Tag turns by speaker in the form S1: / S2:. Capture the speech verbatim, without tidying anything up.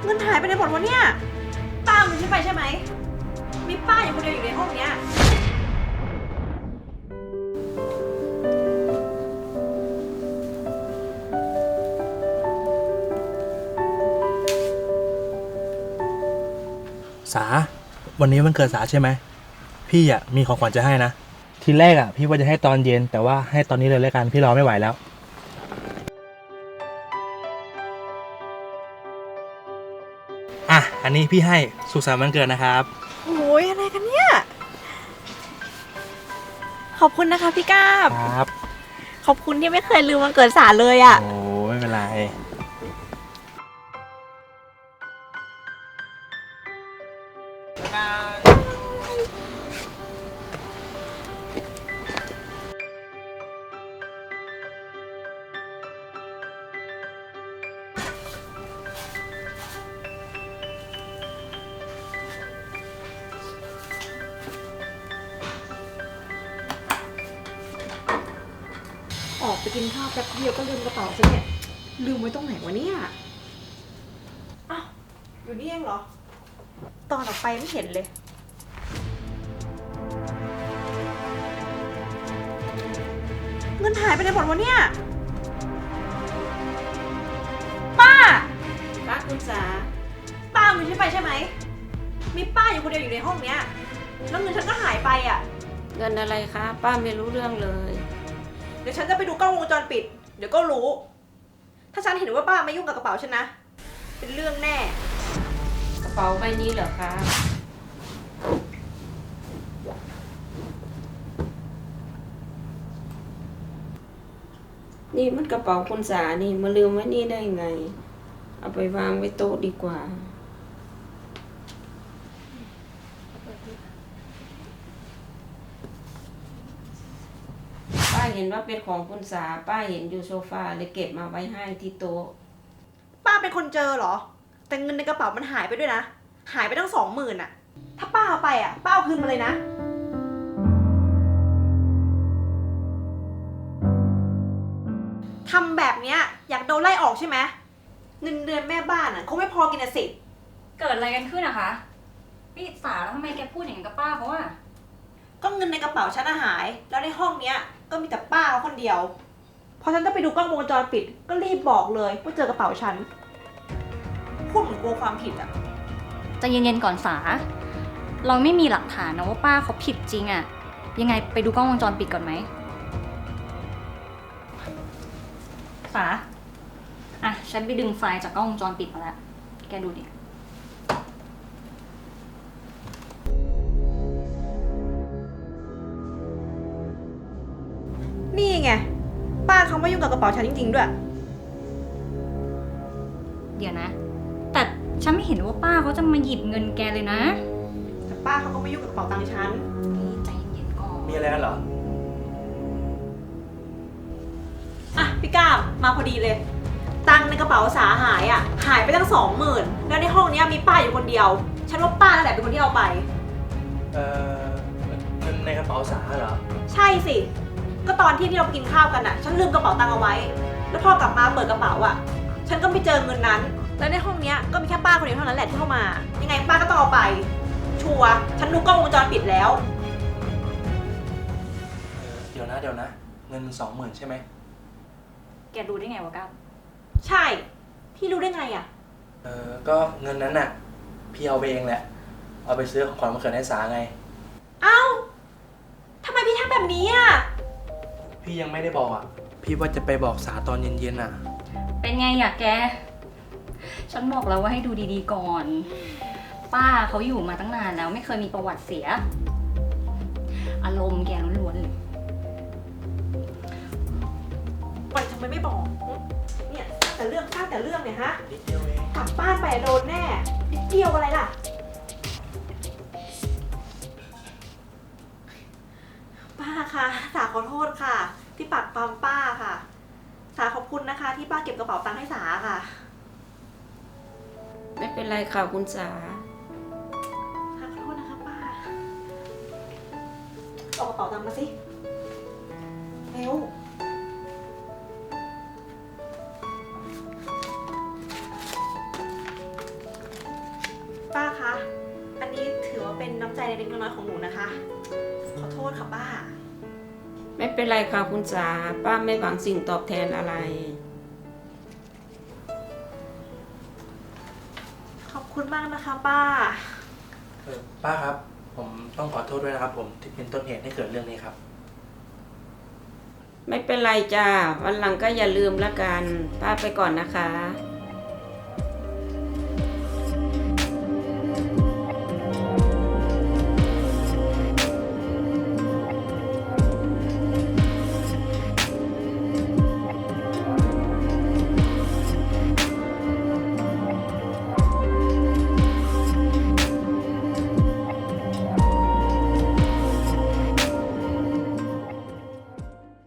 S1: เงินหายไปไหนหมดวะเนี่ยป้าเอาเงินฉันไปใช่ไหมมีป้าอยู่คนเดียวอยู่ในห้องเนี้ย
S2: สาวันนี้วันเกิดสาใช่ไหมพี่อ่ะมีของขวัญจะให้นะทีแรกอ่ะพี่ว่าจะให้ตอนเย็นแต่ว่าให้ตอนนี้เลยแล้วกันพี่รอไม่ไหวแล้วอ่ะอันนี้พี่ให้สุขสันต์วันเกิดนะครับ
S1: โอ้ยอะไรกันเนี่ยขอบคุณนะคะพี่ก้าบ
S2: ครับ
S1: ขอบคุณที่ไม่เคยลืมวันเกิดสาเลยอ่ะ
S2: โอ้ไม่เป็นไร
S1: ออกไปกินข้าวแป๊บเดียวก็ลืมกระเป๋าซะเนี่ยลืมไว้ตรงไหนวะเนี่ยอ้าวอยู่นี่เองเหรอตอนออกไปไม่เห็นเลยเงินหายไปไหนหมดวะเนี่ยป้าป้าคุณสาป้าเอาเงินฉันไปใช่ไหมมีป้าอยู่คนเดียวอยู่ในห้องเนี้ยแล้วเงินฉันก็หายไปอ่ะ
S3: เงินอะไรคะป้าไม่รู้เรื่องเลย
S1: เดี๋ยวฉันจะไปดูกล้องวงจรปิดเดี๋ยวก็รู้ถ้าฉันเห็นว่าป้าไม่ยุ่งกับกระเป๋าฉันนะเป็นเรื่องแน่
S3: กระเป๋าใบนี้เหรอคะนี่มันกระเป๋าคุณสานี่มาลืมไว้นี่ได้ไงเอาไปวางไว้โต๊ะดีกว่าป้าเห็นว่าเป็นของคุณสาป้าเห็นอยู่โซฟาเลยเก็บมาไว้ให้ที่โต๊ะ
S1: ป้าเป็นคนเจอเหรอแต่เงินในกระเป๋ามันหายไปด้วยนะหายไปตั้งสองหมื่นอะถ้าป้าเอาไปอะป้าเอาคืนมาเลยนะทำแบบเนี้ยอยากโดนไล่ออกใช่ไหมเงินเดือนแม่บ้านอะคงไม่พอกินอะสิ
S4: เกิดอะไรกันขึ้นอะคะพี่สาแล้วทำไมแกพูดอย่างนั้นกับป้าเขาอะ
S1: ก็เงินในกระเป๋าฉันหายแล้วในห้องเนี้ยก็มีแต่ป้าเขาคนเดียวพอฉันจะไปดูกล้องวงจรปิดก็รีบบอกเลยว่าเจอกระเป๋าฉันพูดเหมือนกลัวความผิดอะ
S4: ใจเย็นๆก่อนสาเราไม่มีหลักฐานนะว่าป้าเขาผิดจริงอะยังไงไปดูกล้องวงจรปิดก่อนไหมสาอ่ะฉันไปดึงไฟล์จากกล้องวงจรปิดมาแล้วแกดูดิ
S1: นี่ไงป้าเขาไม่ยุ่งกับกระเป๋าฉันจริงๆด้วย
S4: เดี๋ยวนะแต่ฉันไม่เห็นว่าป้าเขาจะมาหยิบเงินแกเลยนะ
S1: แต่ป้าเขาก็ไม่ยุ่งกับกระเป๋าตังค์ฉัน
S4: นี่ใจเย็นๆก่อน
S2: มีอะไรกันเหรอ
S1: อ่ะพี่ก้ามมาพอดีเลยตังค์ในกระเป๋าสาหายอ่ะหายไปตั้งสองหมื่นแล้วในห้องนี้มีป้าอยู่คนเดียวฉันว่าป้านั่นแหละเป็นคนที่เอาไป
S2: เออเงินในกระเป๋าสาเหรอ
S1: ใช่สิก็ตอนที่ที่เรากินข้าวกันอ่ะฉันลืมกระเป๋าตังค์เอาไว้แล้วพอกลับมาเปิดกระเป๋าอ่ะฉันก็ไม่เจอเงินนั้นแล้วในห้องนี้ก็มีแค่ป้าคนเดียวเท่านั้นแหละที่เข้ามายังไงป้าก็ต้องเอาไปชัวร์ฉันดูกล้องวงจรปิดแล้ว
S2: เดี๋ยวนะเดี๋ยวนะเงินสองหมื่นใช่ไหม
S4: แกดูได้ไงวะก้าว
S1: ใช่พี่รู้ได้ไงอ่ะ
S2: เออก็เงินนั้นน่ะพี่เอาไปเองแหละเอาไปซื้อของขวัญวันเกิดให้สาไง
S1: เอ้าทำไมพี่ทำแบบนี้อ่ะ
S2: พี่ยังไม่ได้บอกอ่ะพี่ว่าจะไปบอกสาตอนเย็นๆอ่ะ
S4: เป็นไงอยากแกฉันบอกแล้วว่าให้ดูดีๆก่อนป้าเขาอยู่มาตั้งนานแล้วไม่เคยมีประวัติเสียอารมณ์แกล้วนๆเลย
S1: ปล่อยทำไมไม่บอกเนี่ยแต่เรื่องสร้างแต่เรื่องเนี่ยฮะ
S2: นิดเดียวเอง
S1: กลับบ้านไปโดนแน่นิดเดียวอะไรล่ะป้าคะสาขอโทษค่ะที่ปักปามป้าค่ะสาขอบคุณนะคะที่ป้าเก็บกระเป๋าตังค์ให้สาค่ะ
S3: ไม่เป็นไรค่ะคุณสา
S1: ขอโทษนะคะป้าเอากระเป๋าตังค์มาสิเร็วนะคะ อันนี้ถือว่าเป็นน้ำใจเล็กๆน้อยๆของหนูนะคะ ขอโทษค่ะป้า
S3: ไม่เป็นไรค่ะคุณจ๋าป้าไม่หวังสิ่งตอบแทนอะไร
S1: ขอบคุณมากนะคะป้า
S2: เออป้าครับ ผมต้องขอโทษด้วยนะครับ ผมที่เป็นต้นเหตุให้เกิดเรื่องนี้ครับ
S3: ไม่เป็นไรจ้าวันหลังก็อย่าลืมละกันป้าไปก่อนนะคะ